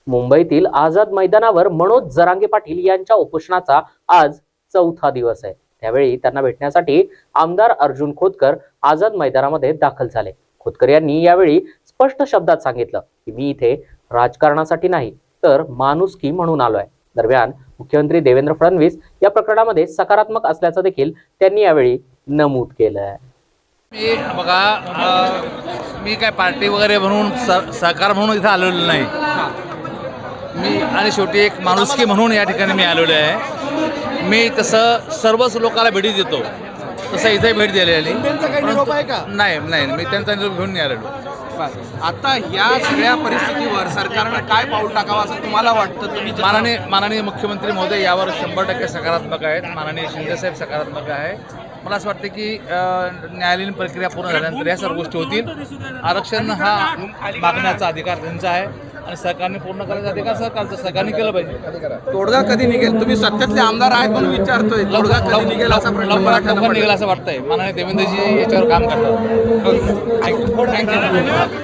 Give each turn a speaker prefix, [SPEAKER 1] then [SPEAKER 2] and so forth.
[SPEAKER 1] मुंबईतील आझाद मैदानावर मनोज जरांगे पाटील यांच्या उपोषणाचा आज चौथा दिवस आहे। त्यावेळी त्यांना भेटण्यासाठी आमदार अर्जुन खोतकर आझाद मैदानामध्ये दाखल झाले। खोतकर यांनी यावेळी स्पष्ट शब्दात सांगितलं की मी इथे राजकारणासाठी नाही तर माणुसकी म्हणून आलोय। दरम्यान मुख्यमंत्री देवेंद्र फडणवीस या प्रकरणामध्ये सकारात्मक असल्याचं देखील त्यांनी यावेळी नमूद केलं।
[SPEAKER 2] मी काय पार्टी वगैरे म्हणून सहकार म्हणून इथे आलेलो नाही। मी आणि शेवटी एक माणुसकी म्हणून या ठिकाणी मी आलेलो आहे। मी तसं सर्वच लोकांना भेटी देतो, तसं इथे भेट दिलेली नाही। मी त्यांचा निरोप घेऊन नाही आलेलो।
[SPEAKER 3] आता या सगळ्या परिस्थितीवर सरकारनं काय पाऊल टाकावं असं तुम्हाला वाटतं? तुम्ही
[SPEAKER 2] माननीय मुख्यमंत्री महोदय यावर 100% सकारात्मक आहेत। माननीय शिंदेसाहेब सकारात्मक आहे। मला असं वाटतं की न्यायालयीन प्रक्रिया पूर्ण झाल्यानंतर या सर्व गोष्टी होतील। आरक्षण हा मागण्याचा अधिकार त्यांचा आहे आणि सरकारने पूर्ण करायचा अधिकार सरकारचा, सरकारने केलं पाहिजे।
[SPEAKER 3] तोडगा कधी निघेल? तुम्ही सत्तेतले आमदार आहेत म्हणून विचारतोय, तोडगा कधी निघेल असा प्रश्न
[SPEAKER 2] लवकरात लवकर निघेल असं वाटतंय। माननीय देवेंद्रजी याच्यावर काम करतात।
[SPEAKER 3] थँक्यू।